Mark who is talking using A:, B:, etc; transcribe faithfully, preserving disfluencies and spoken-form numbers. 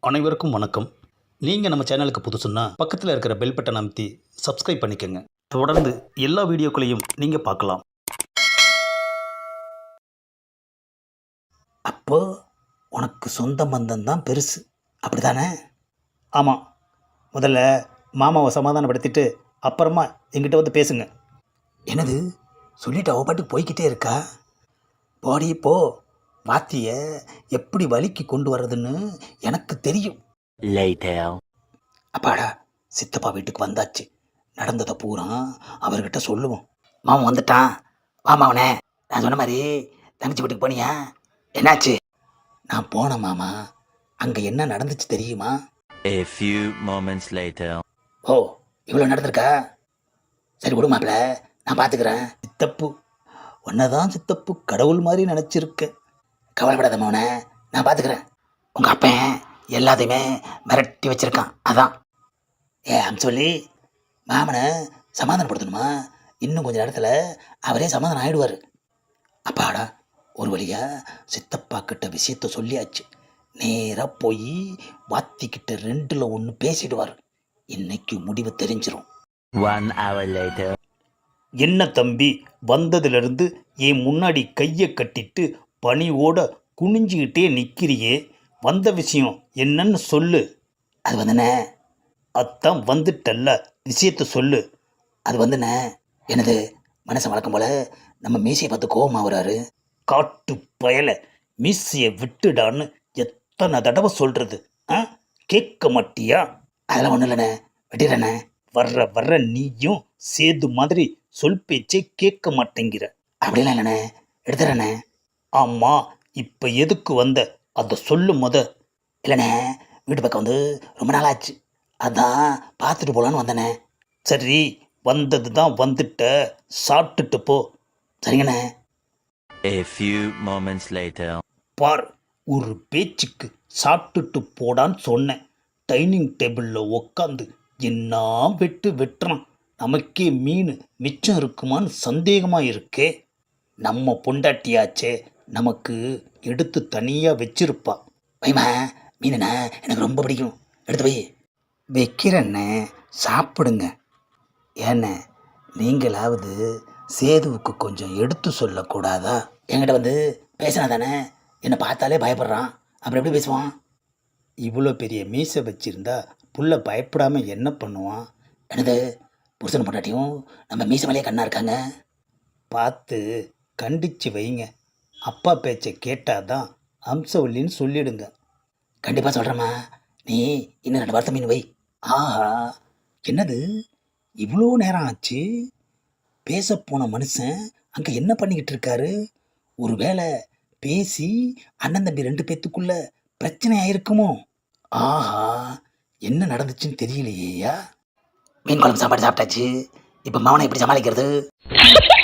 A: அனைவருக்கும் வணக்கம். நீங்கள் நம்ம சேனலுக்கு புதுசுன்னா பக்கத்தில் இருக்கிற பெல் பட்டன் அமைத்தி சப்ஸ்கிரைப் பண்ணிக்கோங்க. தொடர்ந்து எல்லா வீடியோக்களையும் நீங்கள் பார்க்கலாம். அப்போ உனக்கு சொந்த பந்தம் தான் பெருசு, அப்படிதானே? ஆமாம். முதல்ல மாமாவை சமாதானப்படுத்திட்டு அப்புறமா எங்கிட்ட வந்து பேசுங்க. என்னது சொல்லிட்டு அவ பாட்டுக்கு போய்கிட்டே இருக்கா? போடி போ. வாத்திய எப்படி வலிக்கு கொண்டு வர்றதுன்னு எனக்கு தெரியும்.
B: Later.
A: அப்பாடா, சித்தப்பா வீட்டுக்கு வந்தாச்சு. நடந்ததை பூரா அவர்கிட்ட சொல்லுவோம். மாமன் வந்துட்டான். மாமாவனே, நான் சொன்ன மாதிரி தங்கச்சி வீட்டுக்கு போனியா? என்னாச்சு? நான் போனேன் மாமா. அங்கே என்ன நடந்துச்சு தெரியுமா?
B: A few moments later.
A: ஓ, இவ்வளோ நடந்திருக்கா? சரி விடு மாப்பிள்ள, நான் பார்த்துக்கிறேன். சித்தப்பு ஒன்னதான் சித்தப்பு கடவுள் மாதிரி நினச்சிருக்கேன். கவலைப்படாத மோனே, நான் பார்த்துக்கிறேன். உங்கள் அப்பன் எல்லாத்தையுமே மிரட்டி வச்சிருக்கான். அதான் ஏ அம் சொல்லி மாமனை சமாதானப்படுத்தணுமா? இன்னும் கொஞ்சம் நேரத்தில் அவரே சமாதானம் ஆகிடுவார். அப்பாடா, ஒரு வழியாக சித்தப்பா கிட்ட விஷயத்த சொல்லியாச்சு. நேராக போய் வாத்திக்கிட்ட ரெண்டில் ஒன்று பேசிடுவார். இன்னைக்கு முடிவு தெரிஞ்சிடும்.
B: One hour later.
A: என்ன தம்பி, வந்ததுலேருந்து என் முன்னாடி கையை கட்டிட்டு பணியோட குனிஞ்சிக்கிட்டே நிற்கிறியே, வந்த விஷயம் என்னன்னு சொல்லு. அது வந்துண்ணே, அதான் வந்துட்டல்ல, விஷயத்த சொல்லு. அது வந்துண்ணே, எனது மனசை வழக்கம் போல நம்ம மீசையை பார்த்து கோபமாக வராரு. காட்டு பயலை, மீசையை விட்டுடான்னு எத்தனை தடவை சொல்கிறது? ஆ, கேட்க மாட்டியா? அதெல்லாம் ஒன்றும் இல்லைண்ணே, விட்டுறேண்ணே. வர்ற வர்ற நீயும் சேது மாதிரி சொல் பேச்சே கேட்க மாட்டேங்கிற. அப்படிலாம் இல்லைண்ணே, எடுத்துறேண்ணே. ஆமாம், இப்போ எதுக்கு வந்த அதை சொல்லு முத. இல்லைண்ணே, வீட்டு பக்கம் வந்து ரொம்ப நாளாச்சு, அதான் பார்த்துட்டு போகலான்னு வந்தேண்ணே. சரி, வந்தது தான் வந்துட்ட, சாப்பிட்டுட்டு போ. சரிங்கண்ணே.
B: A few moments later.
A: பார், ஒரு பேச்சுக்கு சாப்பிட்டுட்டு போடான்னு சொன்னேன். டைனிங் டேபிளில் உக்காந்து என்ன வெட்டு வெட்டுறான். நமக்கே மீன் மிச்சம் இருக்குமான்னு சந்தேகமாக இருக்கே. நம்ம பொண்டாட்டியாச்சே, நமக்கு எடுத்து தனியாக வச்சிருப்பா. வைமா, மீனுண்ணா எனக்கு ரொம்ப பிடிக்கும், எடுத்து போய் வைக்கிறேண்ணே, சாப்பிடுங்க. ஏண்ணே, நீங்களாவது சேதுவுக்கு கொஞ்சம் எடுத்து சொல்லக்கூடாதா? என்கிட்ட வந்து பேசினா தானே, என்னை பார்த்தாலே பயப்படுறான், அப்புறம் எப்படி பேசுவான்? இவ்வளோ பெரிய மீசை வச்சிருந்தா புள்ள பயப்படாமல் என்ன பண்ணுவான்? என்னது, புருஷன் பொண்டாட்டியும் நம்ம மீசை மேலேயே கண்ணா இருக்காங்க. பார்த்து கண்டிச்சு வைங்க. அப்பா பேச்சை கேட்டாதான் அம்சவல்லின்னு சொல்லிடுங்க. கண்டிப்பாக சொல்கிறேம்மா, நீ இன்னும் ரெண்டு வாரத்தை மீன் வை. ஆஹா, என்னது இவ்வளோ நேரம் ஆச்சு? பேச போன மனுஷன் அங்கே என்ன பண்ணிக்கிட்டு இருக்காரு? ஒரு வேளை பேசி அண்ணன் தம்பி ரெண்டு பேத்துக்குள்ள பிரச்சனை ஆயிருக்குமோ? ஆஹா, என்ன நடந்துச்சுன்னு தெரியலையா? மீன் குழம்பு சாப்பாடு சாப்பிட்டாச்சு, இப்போ மவனை எப்படி சமாளிக்கிறது?